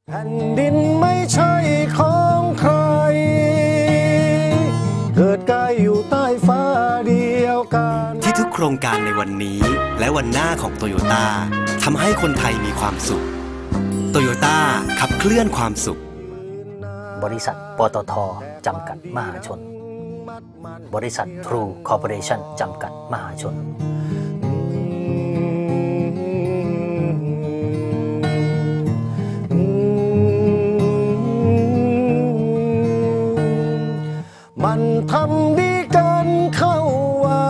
แผ่นดินไม่ใช่ของใครเกิดกายอยู่ใต้ฟ้าเดียวกันที่ทุกโครงการในวันนี้และวันหน้าของโตโยต้าทำให้คนไทยมีความสุขโตโยต้าขับเคลื่อนความสุขบริษัทปตท.จำกัดมหาชนบริษัททรูคอร์ปอเรชั่นจำกัดมหาชนมันทำดีกันเข้าไว้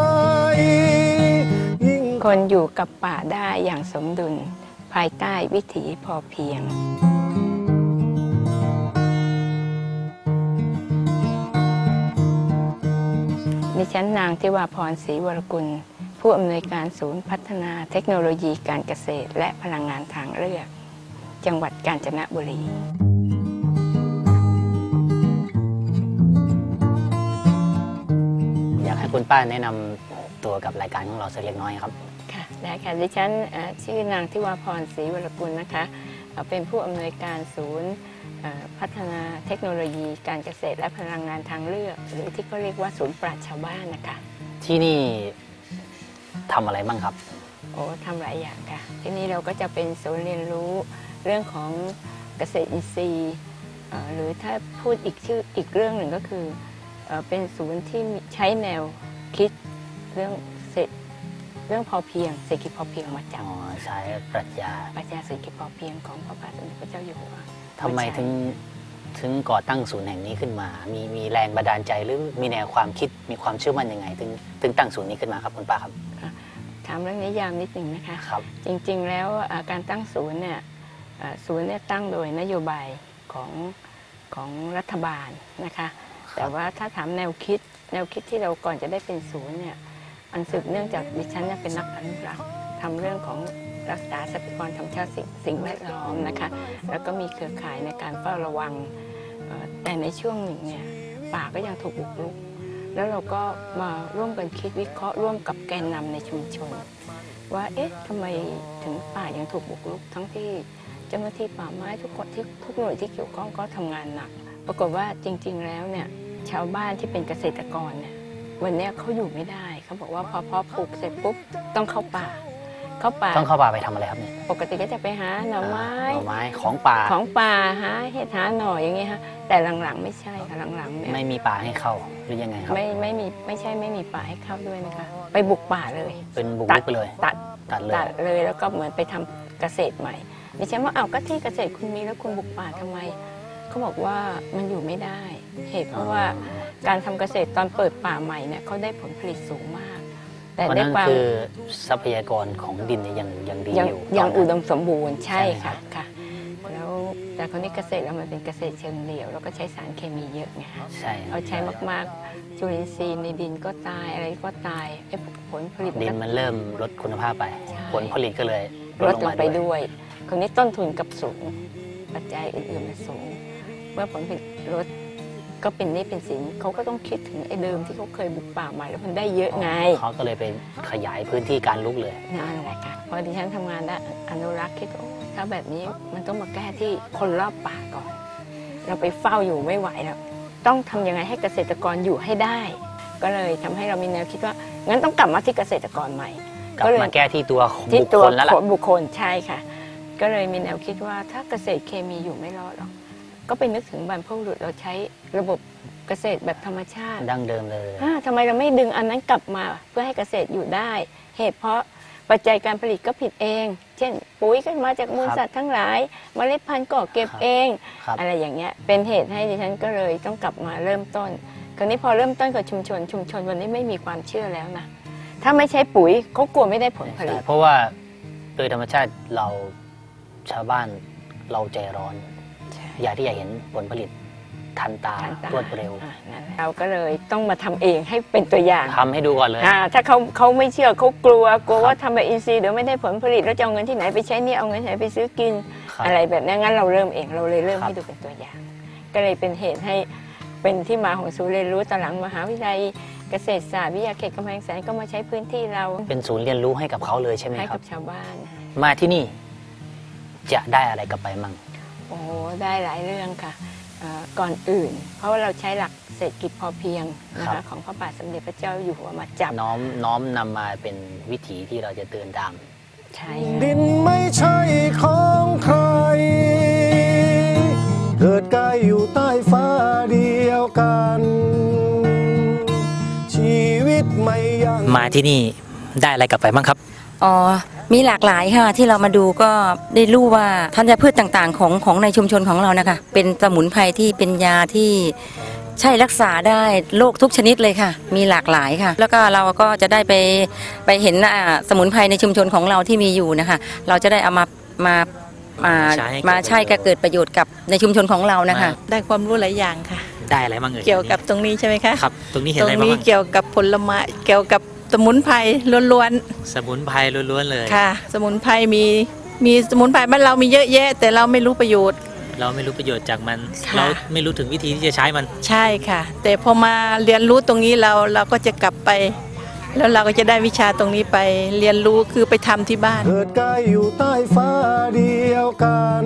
คนอยู่กับป่าได้อย่างสมดุลภายใต้วิถีพอเพียงดิฉันนางทิวาพรศรีวรกุลผู้อำนวยการศูนย์พัฒนาเทคโนโลยีการเกษตรและพลังงานทางเลือกจังหวัดกาญจนบุรีอยากให้คุณป้าแนะนำตัวกับรายการของเราสักเล็กน้อยครับค่ะได้ค่ะดิฉันชื่อนางทิวาพรศรีวรกุลนะคะเป็นผู้อำนวยการศูนย์พัฒนาเทคโนโลยีการเกษตรและพลังงานทางเลือกหรือที่เขาเรียกว่าศูนย์ปราชญ์ชาวบ้านนะคะที่นี่ทำอะไรบ้างครับโอ้ทำหลายอย่างค่ะที่นี่เราก็จะเป็นศูนย์เรียนรู้เรื่องของเกษตรอินทรีย์หรือถ้าพูดอีกเรื่องหนึ่งก็คือเป็นศูนย์ที่ใช้แนวคิดเรื่องพอเพียงเศรษฐกิจพอเพียงมาจากใช้ปรัชญาเศรษฐกิจพอเพียงของพระบาทสมเด็จพระเจ้าอยู่หัวทำไมถึงก่อตั้งศูนย์แห่งนี้ขึ้นมามีแรงบันดาลใจหรือมีแนวความคิดมีความเชื่อมั่นยังไงถึงตั้งศูนย์นี้ขึ้นมาครับคุณป้าครับถามเรื่องนิยามนิดหนึ่งนะคะครับจริงๆแล้วการตั้งศูนย์เนี่ยตั้งโดยนโยบายของรัฐบาลนะคะแต่ว่าถ้าถามแนวคิดที่เราก่อนจะได้เป็นศูนย์เนี่ยอันสืบเนื่องจากดิฉันเป็นนักอนุรักษ์ทำเรื่องของรักษาทรัพยากรธรรมชาติสิ่งแวดล้อมนะคะแล้วก็มีเครือข่ายในการเฝ้าระวังแต่ในช่วงหนึ่งเนี่ยป่าก็ยังถูกบุกรุกแล้วเราก็มาร่วมกันคิดวิเคราะห์ร่วมกับแกนนำในชุมชนว่าเอ๊ะทำไมถึงป่ายังถูกบุกรุกทั้งที่เจ้าหน้าที่ป่าไม้ทุกหน่วยที่เกี่ยวข้องก็ทำงานหนักปรากฏว่าจริงๆแล้วเนี่ยชาวบ้านที่เป็นเกษตรกรเนี่ยวันนี้เขาอยู่ไม่ได้เขาบอกว่าพอปลูกเสร็จปุ๊บต้องเข้าป่าต้องเข้าป่าไปทำอะไรครับเนี่ยปกติก็จะไปหาหน่อไม้ของป่าหาเห็ดหาหน่ออย่างเงี้ยฮะแต่หลังๆไม่ใช่ค่ะหลังๆเนี่ยไม่มีป่าให้เข้าหรือยังไงครับไม่ใช่ไม่มีป่าให้เข้าด้วยนะคะไปบุกป่าเลยเป็นบุกรุกไปเลยตัดเลยแล้วก็เหมือนไปทำเกษตรใหม่ดิฉันว่าก็ที่เกษตรคุณมีแล้วคุณบุกป่าทำไมเขาบอกว่ามันอยู่ไม่ได้เหตุเพราะว่าการทำเกษตรตอนเปิดป่าใหม่เนี่ยเขาได้ผลผลิตสูงมากแต่ในความคือทรัพยากรของดินยังดีอยู่ยังอุดมสมบูรณ์ใช่ค่ะแล้วแต่คนนี้เกษตรแล้วมันเป็นเกษตรเชิงเดี่ยวแล้วก็ใช้สารเคมีเยอะไงใช่เอาใช้มากๆจุลินทรีย์ในดินก็ตายอะไรก็ตายผลผลิตดินมันเริ่มลดคุณภาพไปผลผลิตก็เลยลดลงไปด้วยคนนี้ต้นทุนกับสูงปัจจัยอื่นๆมันสูงเมื่อผลผลิตลดก็เป็นนี่เป็นสินเขาก็ต้องคิดถึงไอ้เดิมที่เขาเคยบุกป่ามาแล้วมันได้เยอะไงเขาก็เลยไปขยายพื้นที่การลุกเลยนั่นแหละค่ะพอดิฉันทำงานด้านอนุรักษ์คิดถ้าแบบนี้มันต้องมาแก้ที่คนรอบป่าก่อนเราไปเฝ้าอยู่ไม่ไหวแล้วต้องทำยังไงให้เกษตรกรอยู่ให้ได้ก็เลยทำให้เรามีแนวคิดว่างั้นต้องกลับมาที่เกษตรกรใหม่ก็เลยมาแก้ที่ตัวบุคคลแล้วล่ะบุคคลใช่ค่ะก็เลยมีแนวคิดว่าถ้าเกษตรเคมีอยู่ไม่รอดหรอกก็ไปนึกถึงบรรพบุรุษเราใช้ระบบเกษตรแบบธรรมชาติดั้งเดิมเลยทำไมเราไม่ดึงอันนั้นกลับมาเพื่อให้เกษตรอยู่ได้เหตุเพราะปัจจัยการผลิตก็ผิดเองเช่นปุ๋ยก็มาจากมูลสัตว์ทั้งหลายเมล็ดพันธุ์ก็เก็บเองอะไรอย่างเงี้ยเป็นเหตุให้ดิฉันก็เลยต้องกลับมาเริ่มต้นคราวนี้พอเริ่มต้นกับชุมชนวันนี้ไม่มีความเชื่อแล้วนะถ้าไม่ใช้ปุ๋ยเขากลัวไม่ได้ผลผลิตเพราะว่าโดยธรรมชาติเราชาวบ้านเราใจร้อนอยากที่จะเห็นผลผลิตทันตารวดเร็วเราก็เลยต้องมาทำเองให้เป็นตัวอย่างทำให้ดูก่อนเลยถ้าเขาไม่เชื่อเขากลัวว่าทำแบบอินทรีย์เดี๋ยวไม่ได้ผลผลิตแล้วจะเอาเงินที่ไหนไปใช้นี่เอาเงินที่ไหนไปซื้อกินอะไรแบบนี้งั้นเราเริ่มเองเราเลยเริ่มให้ดูเป็นตัวอย่างก็เลยเป็นเหตุให้เป็นที่มาของศูนย์เรียนรู้ตอนหลังมหาวิทยาลัยเกษตรศาสตร์วิทยาเขตกำแพงแสนก็มาใช้พื้นที่เราเป็นศูนย์เรียนรู้ให้กับเขาเลยใช่ไหมครับให้กับชาวบ้านมาที่นี่จะได้อะไรกลับไปมั่งโอ้โหได้หลายเรื่องค่ะก่อนอื่น เพราะว่าเราใช้หลักเศรษฐกิจพอเพียงนะคะของพระบาทสมเด็จพระเจ้าอยู่หัวมาจับน้อมนำมาเป็นวิถีที่เราจะเดินตามใช่ดินไม่ใช่ของใครเกิดกายอยู่ใต้ฟ้าเดียวกันชีวิตไม่ยังมาที่นี่ได้อะไรกลับไปบ้างครับอ๋อมีหลากหลายค่ะที่เรามาดูก็ได้รู้ว่าธัญพืชต่างๆของในชุมชนของเรานะคะเป็นสมุนไพรที่เป็นยาที่ใช่รักษาได้โรคทุกชนิดเลยค่ะมีหลากหลายค่ะแล้วก็เราก็จะได้ไปเห็นสมุนไพรในชุมชนของเราที่มีอยู่นะคะเราจะได้เอามาใช้ก็เกิดประโยชน์กับในชุมชนของเรานะคะได้ความรู้หลายอย่างค่ะได้อะไรบ้างเกี่ยวกับตรงนี้ใช่ไหมคะครับตรงนี้เห็นอะไรบ้างตรงนี้เกี่ยวกับผลไม้เกี่ยวกับสมุนไพรล้วนๆสมุนไพรล้วนๆเลยค่ะสมุนไพรมีสมุนไพรบ้านเรามีเยอะแยะแต่เราไม่รู้ประโยชน์เราไม่รู้ประโยชน์จากมันเราไม่รู้ถึงวิธีที่จะใช้มันใช่ค่ะแต่พอมาเรียนรู้ตรงนี้เราก็จะกลับไปแล้วเราก็จะได้วิชาตรงนี้ไปเรียนรู้คือไปทำที่บ้านเกิดกายอยู่ใต้ฟ้าเดียวกัน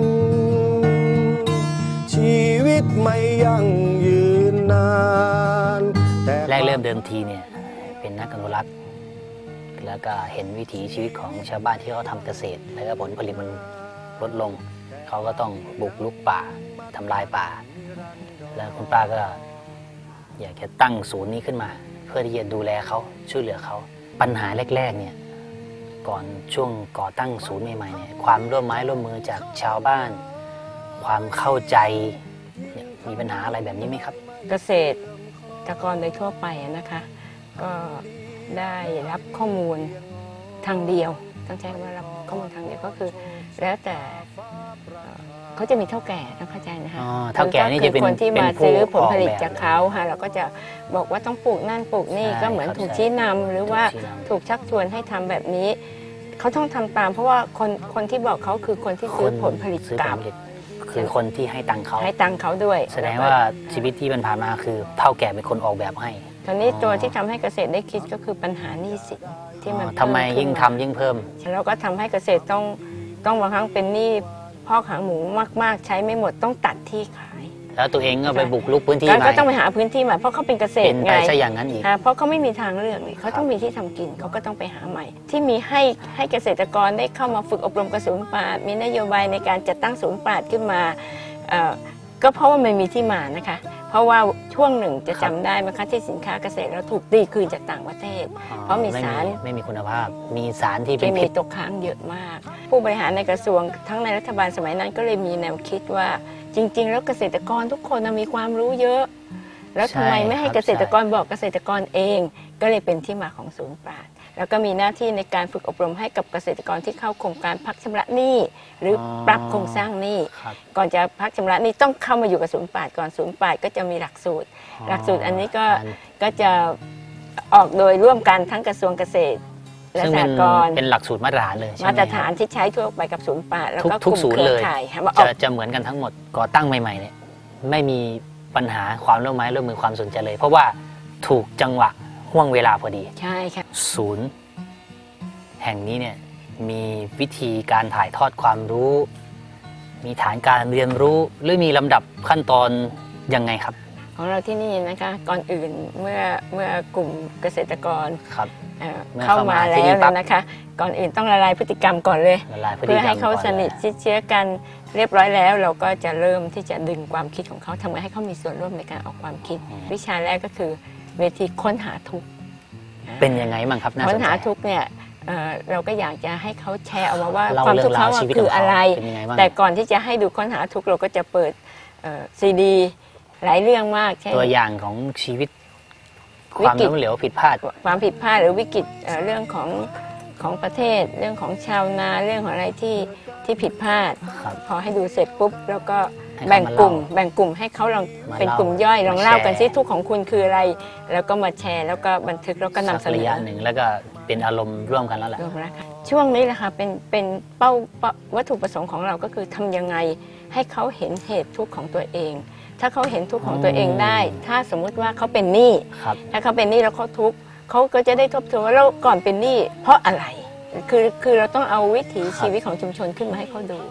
ชีวิตไม่ยั่งยืนนานแรกเริ่มเดิมทีเนี่ยเป็นนักอนุรักษ์แล้วก็เห็นวิถีชีวิตของชาวบ้านที่เขาทำเกษตรแล้วก็ผลผลิตมันลดลงเขาก็ต้องบุกรุกป่าทำลายป่าแล้วคุณป้าก็อยากจะตั้งศูนย์นี้ขึ้นมาเพื่อที่จะดูแลเขาช่วยเหลือเขาปัญหาแรกๆเนี่ยก่อนช่วงก่อตั้งศูนย์ใหม่ๆเนี่ยความร่วมไม้ร่วมมือจากชาวบ้านความเข้าใจมีปัญหาอะไรแบบนี้ไหมครับเกษตรกรโดยทั่วไปนะคะก็ได้รับข้อมูลทางเดียวต้องใช้คำว่ารับข้อมูลทางเดียวก็คือแล้วแต่เขาจะมีเท่าแก่ต้องเข้าใจนะคะเท่าแก่นี่จะเป็นคนที่มาซื้อผลผลิตจากเขาค่ะเราก็จะบอกว่าต้องปลูกนั่นปลูกนี่ก็เหมือนถูกชี้นำหรือว่าถูกชักชวนให้ทำแบบนี้เขาต้องทำตามเพราะว่าคนที่บอกเขาคือคนที่ซื้อผลผลิตกลับคือคนที่ให้ตังเขาด้วยแสดงว่าชีวิตที่ผ่านมาคือเท่าแก่เป็นคนออกแบบให้ตอนนี้ตัวที่ทำให้เกษตรได้คิดก็คือปัญหาหนี้สินที่มันทำไมยิ่งทำยิ่งเพิ่มแล้วก็ทำให้เกษตรต้องบางครั้งเป็นหนี้พอกหางหมูมากๆใช้ไม่หมดต้องตัดที่ขายแล้วตัวเองก็ไปบุกรุกพื้นที่ก็ต้องไปหาพื้นที่ใหม่เพราะเขาเป็นเกษตรไงใช่อย่างนั้นอีกเพราะเขาไม่มีทางเลือกเลยเขาต้องมีที่ทำกินเขาก็ต้องไปหาใหม่ที่มีให้เกษตรกรได้เข้ามาฝึกอบรมกระสุนปราดมีนโยบายในการจัดตั้งศูนย์ปราดขึ้นมาก็เพราะว่ามันมีที่มานะคะเพราะว่าช่วงหนึ่งจะจำได้ไหมคะที่สินค้าเกษตรเราถูกตีคืนจากต่างประเทศเพราะมีสารไม่มีคุณภาพมีสารที่เป็นพิษตกค้างเยอะมากผู้บริหารในกระทรวงทั้งในรัฐบาลสมัยนั้นก็เลยมีแนวคิดว่าจริงๆแล้วเกษตรกรทุกคนมีความรู้เยอะแล้วทำไมไม่ให้เกษตรกรบอกเกษตรกรเองก็เลยเป็นที่มาของศูนย์ปราดแล้วก็มีหน้าที่ในการฝึกอบรมให้กับเกษตรกรที่เข้าโครงการพักชำระหนี้หรือปรับโครงสร้างหนี้ก่อนจะพักชำระหนี้ต้องเข้ามาอยู่กับศูนย์ปราดก่อนศูนย์ปราดก็จะมีหลักสูตรอันนี้ก็จะออกโดยร่วมกันทั้งกระทรวงเกษตรและสหกรณ์เป็นหลักสูตรมาตรฐานเลยมาตรฐานที่ใช้ทั่วไปกับศูนย์ปราดแล้วก็ทุกศูนย์เลยจะเหมือนกันทั้งหมดก่อตั้งใหม่ๆเนี่ยไม่มีปัญหาความร่วมไม้ร่วมมือความสนใจเลยเพราะว่าถูกจังหวะห่วงเวลาพอดีใช่ค่ะศูนย์แห่งนี้เนี่ยมีวิธีการถ่ายทอดความรู้มีฐานการเรียนรู้หรือมีลำดับขั้นตอนยังไงครับของเราที่นี่นะคะก่อนอื่นเมื่อกลุ่มเกษตรกรเข้ามาแล้วนะคะก่อนอื่นต้องละลายพฤติกรรมก่อนเลยเพื่อให้เขาสนิทชิดเชื้อกันเรียบร้อยแล้วเราก็จะเริ่มที่จะดึงความคิดของเขาทำให้เขามีส่วนร่วมในการออกความคิดวิชาแรกก็คือเวทีค้นหาทุกข์เป็นยังไงบ้างครับค้นหาทุกข์เนี่ยเราก็อยากจะให้เขาแชร์ออกมาว่าความทุกข์เขาคืออะไรแต่ก่อนที่จะให้ดูค้นหาทุกข์เราก็จะเปิดซีดีหลายเรื่องมากตัวอย่างของชีวิตความล้มเหลวผิดพลาดความผิดพลาดหรือวิกฤตเรื่องของประเทศเรื่องของชาวนาเรื่องของอะไรที่ผิดพลาดพอให้ดูเสร็จปุ๊บแล้วก็แบ่งกลุ่มให้เขาลองเป็นกลุ่มย่อยลองเล่ากันซิทุกข์ของคุณคืออะไรแล้วก็มาแชร์แล้วก็บันทึกแล้วก็นำเสนอหนึ่งแล้วก็เป็นอารมณ์ร่วมกันแล้วแหละช่วงนี้แหละค่ะเป็นวัตถุประสงค์ของเราก็คือทำยังไงให้เขาเห็นเหตุทุกข์ของตัวเองถ้าเขาเห็นทุกข์ของตัวเองได้ถ้าสมมุติว่าเขาเป็นหนี้ถ้าเขาเป็นหนี้แล้วเขาทุกข์เขาก็จะได้ทบทวนว่าเราก่อนเป็นหนี้เพราะอะไรคือเราต้องเอาวิถีชีวิตของชุมชนขึ้นมาให้เขาดู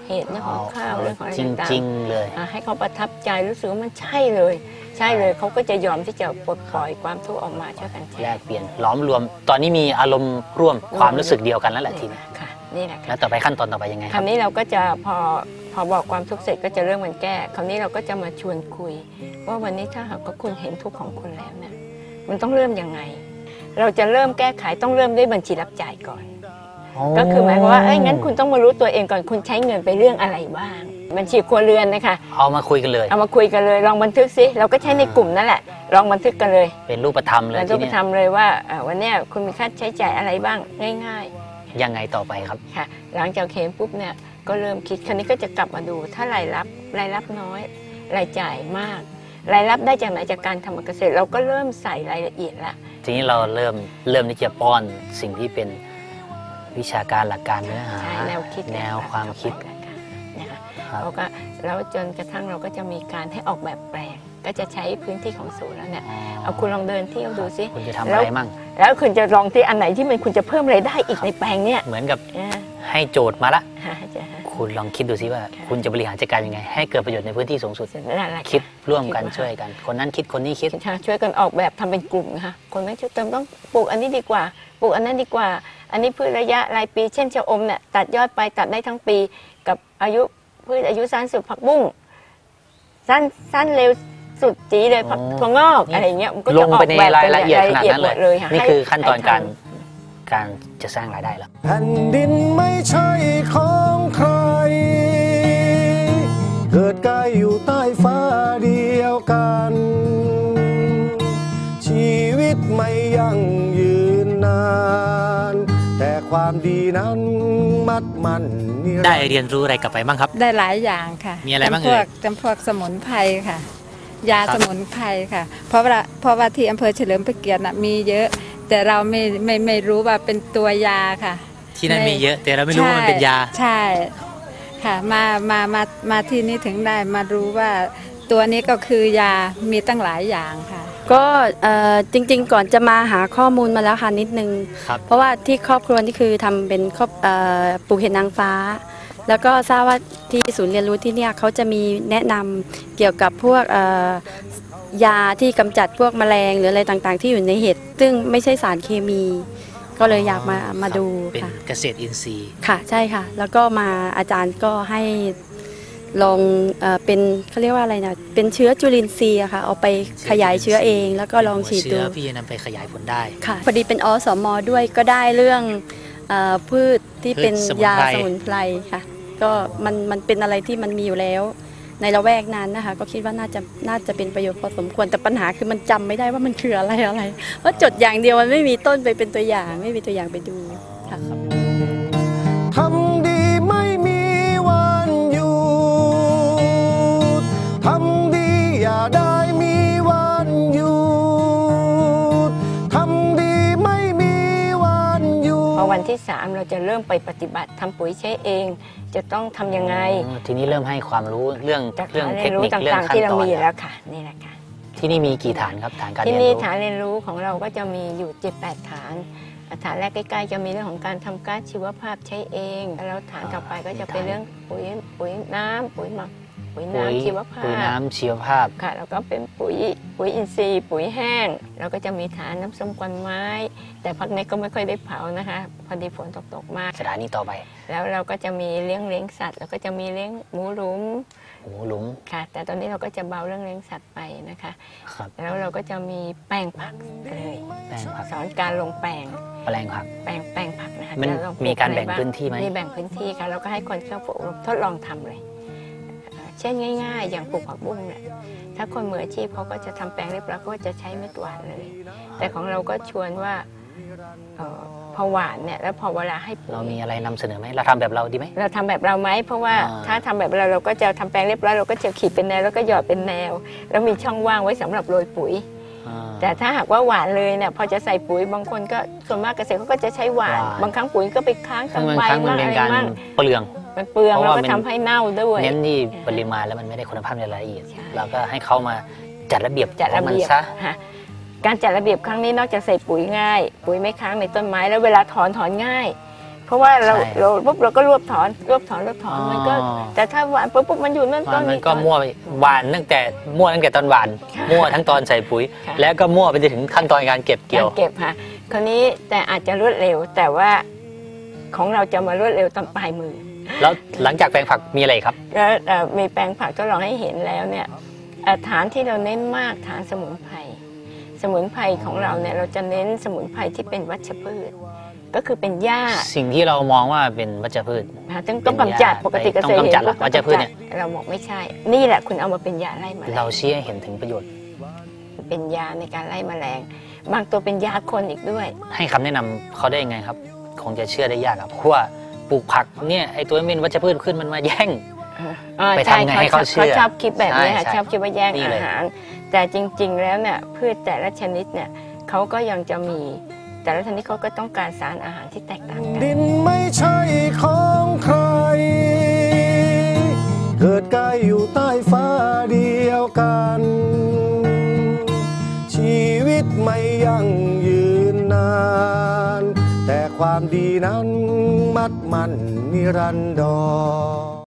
เหตุเรื่องของข้าวเรื่องของอะไรจต่างริงๆเลยๆให้เขาประทับใจรู้สึกว่ามันใช่เลยใช่เลยเขาก็จะยอมที่จะปลดปล่อยความทุกข์ออกมาช่วยกันแชแลร์กเปลี่ยนล้อมรวม ตอนนี้มีอารมณ์ร่วมความรู้สึกเดียวกันแล้วแหละทีนี้ค่ะนี่แหละแล้ค่ะวต่อไปขั้นตอนต่อไปยังไงคครัราบวนี้เราก็จะพอบอกความทุกข์เสร็จก็จะเริ่มมันแก้คราวนี้เราก็จะมาชวนคุย ว่าวันนี้ถ้าหากว่าคุณเห็นทุกข์ของคุณแล้วเนี่ยมันต้องเริ่มยังไง เราจะเริ่มแก้ไขต้องเริ่มด้วยบัญชีรับจ่ายก่อน ก็คือหมายความว่างั้นคุณต้องมารู้ตัวเองก่อนคุณใช้เงินไปเรื่องอะไรบ้างบัญชีครัวเรือนนะคะเอามาคุยกันเลยเอามาคุยกันเลยลองบันทึกซิเราก็ใช้ในกลุ่มนั่นแหละลองบันทึกกันเลยเป็นรูปธรรมเลยเราทีต้องไปนี้ทำเลยว่าวันเนี้ยคุณมีค่าใช้จ่ายอะไรบ้างง่ายยังไงต่อไปครับๆค่ะหลังจากเห็นปุ๊บเนี่ยก็เริ่มคิดคราวนี้ก็จะกลับมาดูถ้ารายรับน้อยรายจ่ายมากรายรับได้จากไหนจากการทำการเกษตรเราก็เริ่มใส่รายละเอียดละทีนี้เราเริ่มที่จะป้อนสิ่งที่เป็นวิชาการหลักการเนื้อหาใช่แนวคิดแนวความคิดนะคะครับเราก็แล้วจนกระทั่งเราก็จะมีการให้ออกแบบแปลงก็จะใช้พื้นที่ของศูนย์แล้วเนี่ยเอาคุณลองเดินเที่ยวดูซิคุณจะทำอะไรมั่งแล้วคุณจะลองที่อันไหนที่มันคุณจะเพิ่มรายได้อีกในแปลงเนี่ยเหมือนกับอ่าให้โจทย์มาละฮะจะคุณลองคิดดูซิว่าค่ะคุณจะบริหารจัดการยังไง ให้เกิดประโยชน์ในพื้นที่สูงสุดนั่นแหละค่ะคิดร่วมกันคิดว่าช่วยกัน คนนั้นคิดคนนี้คิดช่วยกันออกแบบทำเป็นกลุ่มนะคะคนไม่ช่วยเติมต้องปลูกอันนี้ดีกว่าปลูกอันนั้นดีกว่า อันนี้พืชระยะรายปี เช่นชะอมเนี่ยตัดยอดไปตัดได้ทั้งปี กับพืชอายุสั้นสุดผักบุ้งสั้นเร็วสุดจีเลยผักอ๋อถั่วงอกนี่อะไรเงี้ยมันก็ลจะงออไปกในแบบรายละเอียดขนาดนั้นหมดเลยค่ะนี่คือขั้นตอนให้ทำการจะสร้างรายได้แล้วแผ่นดินไม่ใช่ของใคร เกิดกายอยู่ใต้ฟ้าเดียวกัน ชีวิตไม่ยั่งยืนนาน แต่ความดีนั้นมัดมันนิรันดร์ได้เรียนรู้อะไรกลับไปบ้างครับได้หลายอย่างค่ะมีอะไรบ้างจำพวกเอ่ยจำพวกสมุนไพรค่ะ ยาครับสมุนไพรค่ะ เพราะว่าที่อำเภอเฉลิมพระเกียรติน่ะมีเยอะ แต่เราไม่รู้ว่าเป็นตัวยาค่ะที่นั่นมีเยอะ แต่เราไม่รู้ว่ามันเป็นยาใช่ค่ะมาที่นี่ถึงได้มารู้ว่าตัวนี้ก็คือยามีตั้งหลายอย่างค่ะก็จริงๆก่อนจะมาหาข้อมูลมาแล้วค่ะนิดนึงครับเพราะว่าที่ครอบครัวนี่คือทำเป็นปลูกเห็ดนางฟ้า แล้วก็ทราบว่าที่ศูนย์เรียนรู้ที่เนี่ยเขาจะมีแนะนำเกี่ยวกับพวกยาที่กำจัดพวกแมลงหรืออะไรต่างๆ ที่อยู่ในเห็ดซึ่งไม่ใช่สารเคมี ก็เลยอยากมาดูเป็นค่ะเกษตรอินทรีย์ค่ะใช่ค่ะ แล้วก็มาอาจารย์ก็ให้ลองเป็นเขาเรียกว่าอะไรนะเป็นเชื้อจุลินทรีย์อะค่ะเอาไปขยายเชื้อเองแล้วก็ลองฉีดดูเชื้อพี่จะนำไปขยายผลได้ค่ะพอดีเป็นอสมด้วยก็ได้เรื่องพืชที่เป็นพืชสมุนไพรยาสมุนไพรค่ะ ก็มันเป็นอะไรที่มันมีอยู่แล้ว ในละแวกนั้นนะคะ ก็คิดว่าน่าจะเป็นประโยชน์พอสมควรแต่ปัญหาคือมันจำไม่ได้ว่ามันคืออะไรเพราะจดอย่างเดียวมันไม่มีต้นไปเป็นตัวอย่างไม่มีตัวอย่างไปดูค่ะทำดีไม่มีวันหยุด ทำดีอย่าได้มีวันหยุด ทำดีไม่มีวันหยุดพอวันที่ 3 เราจะเริ่มไปปฏิบัติทำปุ๋ยใช้เอง จะต้องทำยังไงทีนี้เริ่มให้ความรู้เรื่องจากเรื่องฐานเทเรียคนรู้นิคตเรื่อง่างๆขั้นที่เราตอนมีแล้วค่ะนี่แหละค่ะที่นี่มีกี่ฐานครับฐานการที่เรียนนี่รู้ฐานเรียนรู้ของเราก็จะมีอยู่ 7-8 ฐานฐานแรกใกล้ๆจะมีเรื่องของการทำก๊าซชีวภาพใช้เองแล้วฐานต่อไปก็จะเป็นเรื่องปุ๋ยน้ำปุ๋ยหมักปุ๋ยน้ำชีวภาปุ๋ยพน้ำชีวภาพค่ะแล้วก็เป็นปุ๋ยอินทรีย์ปุ๋ยแห้งแล้วก็จะมีฐานน้ำส้มควันไม้ แต่พักนี้ก็ไม่ค่อยได้เผานะคะพอดีฝนตกมากสถานีต่อไปแล้วเราก็จะมีเลี้ยงสัตว์แล้วก็จะมีเลี้ยงหมูหลุมหมูหลุมค่ะ แต่ตอนนี้เราก็จะเบาเรื่องเลี้ยงสัตว์ไปนะคะครับแล้วเราก็จะมีแปลงผักเลยแปลงผักสอนการลงแปลงแปลงผักแปลงผักนะคะมันจะลองปลูมีการอะแบ่งบ้พื้นที่ไหมมีแบ่งพื้นที่ค่ะแล้วก็ให้คนเข้าฝึกอบรมทดลองทำเลยเช่นง่ายๆ อย่างปลูกผักบุ้งเนี่ยถ้าคนมืออาชีพเขาก็จะทำแปลงเรียบร้อยก็จะใช้ไม่หวานเลย แต่ของเราก็ชวนว่าพอหวานเนี่ยแล้วพอเวลาให้ปุ๋ยเรามีอะไรนำเสนอไหมเราทำแบบเราดีไหมเราทำแบบเราไหมเพราะว่าอ่าถ้าทำแบบเราก็จะทำแปลงเรียบร้อยเราก็จะขีดเป็นแนวแล้วก็หยอดเป็นแนว แล้วมีช่องว่างไว้สำหรับโรยปุ๋ยอ่าแต่ถ้าหากว่าหวานเลยเนี่ยพอจะใส่ปุ๋ยบางคนก็ส่วนมากเกษตรเขาก็จะใช้หวานหวานบางครั้งปุ๋ยก็ไปค้างซึ่กับงบางใบครั้งมันมั่งเป็อะนไรการมั่งเปลืองมันเปลืองเพราะแล้วว่าก็มันทำให้เน่าด้วยเน้นที่ปริมาณแล้วมันไม่ได้คุณภาพในรายละเอียดใช่เราก็ให้เขามาจัดระเบียบจัดระของมันเบียบซะฮะการจัดระเบียบครั้งนี้นอกจากใส่ปุ๋ยง่าย ปุ๋ยไม่ค้างในต้นไม้แล้วเวลาถอนง่ายเพราะว่าเราใช่ปุ๊บเราก็รวบถอนมันก็ แต่ถ้าหวานปุ๊บมันอยู่นั่นต้นมันนี้ก็มั่วหวานตั้งแต่ตอนหวาน มั่วทั้งตอนใส่ปุ๋ยค่ะแล้วก็มั่วไปจนถึงขั้นตอนการเก็บเกี่ยวเก็บค่ะคราวนี้แต่อาจจะรวดเร็วแต่ว่าของเราจะมารวดเร็วตอนปลายมือแล้วหลังจากแปลงผักมีอะไรอีกครับแล้วมีแปลงผักทดลองให้เห็นแล้วเนี่ยฐานที่เราเน้นมากฐานสมุนไพรของเราเนี่ยเราจะเน้นสมุนไพรที่เป็นวัชพืช ก็คือเป็นหญ้าสิ่งที่เรามองว่าเป็นวัชพืชต้องกำจัดปกติเกษตรต้องกำจัดเหรอเห็นวัชพืชเนี่ยเราบอกไม่ใช่ นี่แหละคุณเอามาเป็นยาไล่แมลเรางชี้ให้เห็นถึงประโยชน์เป็นยาในการไล่แมลง บางตัวเป็นยาคนอีกด้วยให้คำแนะนำเขาได้ยังไงครับ คงจะเชื่อได้ยากครับเพราะว่าปลูกผักเนี่ยไอตัวเป็นวัชพืชขึ้นมันมาแย่ง ไปทำไงให้เขาเชื่อชอบคิดแบบนี้ค่ะใช่ชอบคิดว่าแย่งนี่อาเลยหาร แต่จริงๆแล้วเนี่ยพืชแต่ละชนิดเนี่ยเขาก็ยังจะมีแต่ละชนิดเขาก็ต้องการสารอาหารที่แตกต่างกันดินไม่ใช่ของใคร เกิดกายอยู่ใต้ฟ้าเดียวกัน ชีวิตไม่ยั่งยืนนาน แต่ความดีนั้นมัดมันนิรันดร